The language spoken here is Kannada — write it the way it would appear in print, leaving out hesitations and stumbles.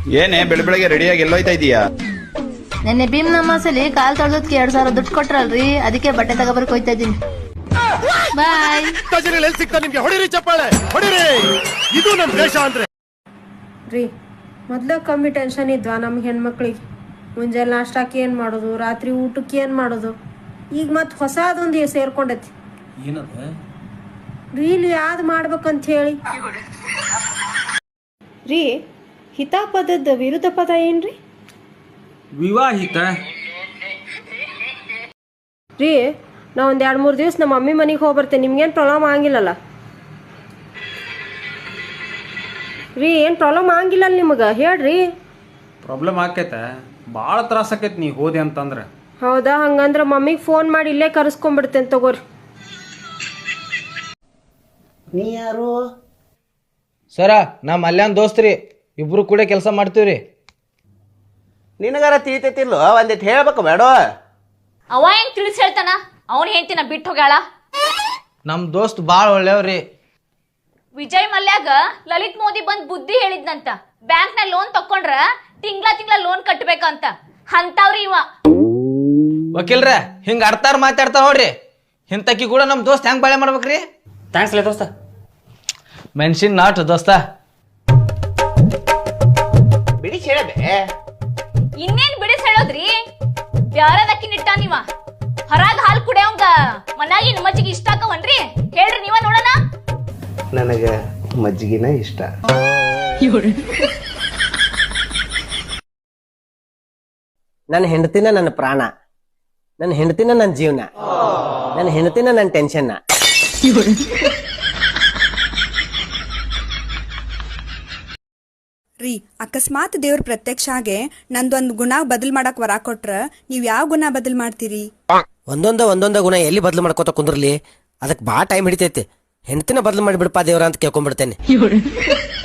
ಏನೇ ಬೆಳಗ್ಗೆ ರೆಡಿಯಾಗಿ ಎಲ್ಲೋಯ್ತಾ ಇದೀಯಾ? ನೆನ್ನೆ ಭೀಮ್ ನಮಾಸಲ್ಲಿ ಕಾಲ್ ತೊಳ್ದೋದ್ಕೆ 2000 ದುಡ್ಡು ಕೊಟ್ರಲ್ರಿ, ಅದಕ್ಕೆ ಬಟ್ಟೆ ತಗೋಬರ್ಕ್ ಹೋಯ್ತಾ ಇದೀನಿ. ಬಾಯ್. ಸಿಗ್ತಾ ನಿಮ್ಗೆ ಹೊಡಿರಿ ಚಪ್ಪಾಳೆ ಹೊಡಿರಿ, ಇದು ನಮ್ ದೇಶ ಅಂದ್ರೆ. ರೀ ಮೊದ್ಲ ಕಮ್ಮಿ ಟೆನ್ಷನ್ ಇದ್ವಾ ನಮ್ಗೆ ಹೆಣ್ಮಕ್ಳಿಗೆ? ಮುಂಜಾನೆ ನಾಷ್ಟಾಕ್ಕೆ ಏನು ಮಾಡೋದು, ರಾತ್ರಿ ಊಟಕ್ಕೆ ಏನು ಮಾಡೋದು, ಈಗ ಮತ್ತೆ ಹೊಸದೊಂದು ಸೇರ್ಕೊಂಡೈತಿ. ಏನದ ರೀಲ್ ಯಾವ್ದು ಮಾಡ್ಬೇಕಂತ ಹೇಳಿ. ರೀ ಹಿತಾಪದದ ವಿರುದ್ಧ ಪದ ಏನ್ರಿ? ವಿವಾಹಿತ. ರೀ ನಾ ಒಂದು 2-3 ದಿವಸ ನಮ್ಮ ಮಮ್ಮಿ ಮನೆಗೆ ಹೋಗ್ಬರ್ತೇನೆ, ನಿಮ್ಗೇನು ಪ್ರಾಬ್ಲಮ್ ಆಗಿಲ್ಲಲ್ಲ ರೀ? ಏನು ಪ್ರಾಬ್ಲಮ್ ಆಗಿಲ್ಲ ನಿಮಗೆ ಹೇಳ್ರಿ. ಪ್ರಾಬ್ಲಮ್ ಆಕೈತೆ, ಭಾಳ ತ್ರಾಸ ಆಕೈತಿ ನೀ ಹೋದೆ ಅಂತಂದ್ರೆ. ಹೌದಾ? ಹಂಗಂದ್ರೆ ಮಮ್ಮಿಗೆ ಫೋನ್ ಮಾಡಿ ಇಲ್ಲೇ ಕರೆಸ್ಕೊಂಡ್ಬಿಡ್ತೇನೆ ತಗೋರಿ. ನೀ ಯಾರು? ಸರ ನಾ ಮಲ್ಯಾನ್ ದೋಸ್ತ್ರಿ, ಇಬ್ರು ಕೂಡ ಕೆಲಸ ಮಾಡ್ತೀವ್ರಿ. ನಿನಗಾರ ತಿಳಿತೈತಿಲ್ಲೋ ಒಂದಿಟ್ಟು ಹೇಳ್ಬೇಕು ಬೇಡ? ಅವ ಹೆಂಗ್ ತಿಳಿಸ್ ಹೇಳ್ತಾನ? ಅವನ್ ಹೆಂಡ್ತಿನ ಬಿಟ್ಟು ಹೋಗ್ಯಾಳ. ನಮ್ ದೋಸ್ತ್ ಬಾಳ್ ಒಳ್ಳೆಯವ್ರಿ. ವಿಜಯ್ ಮಲ್ಯಾಗ ಲಲಿತ್ ಮೋದಿ ಬಂದ್ ಬುದ್ಧಿ ಹೇಳಿದ್ನಂತ, ಬ್ಯಾಂಕ್ ನ ಲೋನ್ ತಕೊಂಡ್ರ ತಿಂಗ್ಳ ಲೋನ್ ಕಟ್ಬೇಕಂತ. ಅಂತವ್ರಿ ಇವ. ವಕೀಲ್ರ ಹಿಂಗ ಅರ್ತಾರ ಮಾತಾಡ್ತಾರ ನೋಡ್ರಿ, ಇಂತಕಿ ಕೂಡ ನಮ್ ದೋಸ್ತ್ ಹೆಂಗ್ ಬಾಳೆ ಮಾಡ್ಬೇಕ್ರಿ? ಥ್ಯಾಂಕ್ಸ್ ಲೇ ದೋಸ್ತ. ಮೆನ್ಷನ್ ನಾಟ್ ದೋಸ್ತ. ಬಿಡಿ ಹೇಳಬೇ. ಇನ್ನೇನ್ ಬಿಡಿಸ್ ಹೇಳೋದ್ರಿ? ಬ್ಯಾರದಕ್ಕಿ ನಿಟ್ಟ ನೀವ ಹೊರಗ್ ಹಾಲ್ ಕುಡಿಯೋಂಗ ಮನಾಗಿ ಮಜ್ಜಿಗೆ ಇಷ್ಟ ಆಕವನ್ರಿ? ಹೇಳ್ರಿ ನೀವ ನೋಡೋಣ. ನನಗೆ ಮಜ್ಜಿಗೆನ ಇಷ್ಟ. ನನ್ನ ಹೆಂಡತಿನ ನನ್ನ ಪ್ರಾಣ, ನನ್ನ ಹೆಂಡತಿನ ನನ್ನ ಜೀವನ, ನನ್ನ ಹೆಂಡತಿನ ನನ್ನ ಟೆನ್ಷನ್. ರೀ ಅಕಸ್ಮಾತ್ ದೇವ್ರ ಪ್ರತ್ಯಕ್ಷ ಆಗಿ ನಂದೊಂದು ಗುಣ ಬದಲ್ ಮಾಡಕ್ ವರ ಕೊಟ್ರ ನೀವ್ ಯಾವ ಗುಣ ಬದಲ್ ಮಾಡ್ತೀರಿ? ಒಂದೊಂದ ಗುಣ ಎಲ್ಲಿ ಬದಲು ಮಾಡ್ಕೋತ ಕುಂದ್ರಲಿ, ಅದಕ್ಕೆ ಭಾಳ ಟೈಮ್ ಹಿಡಿತೈತಿ. ಹೆಂಡತಿನ ಬದಲು ಮಾಡಿಬಿಡಪ್ಪ ದೇವ್ರ ಅಂತ ಕೇಳ್ಕೊಂಡ್ಬಿಡ್ತೇನೆ.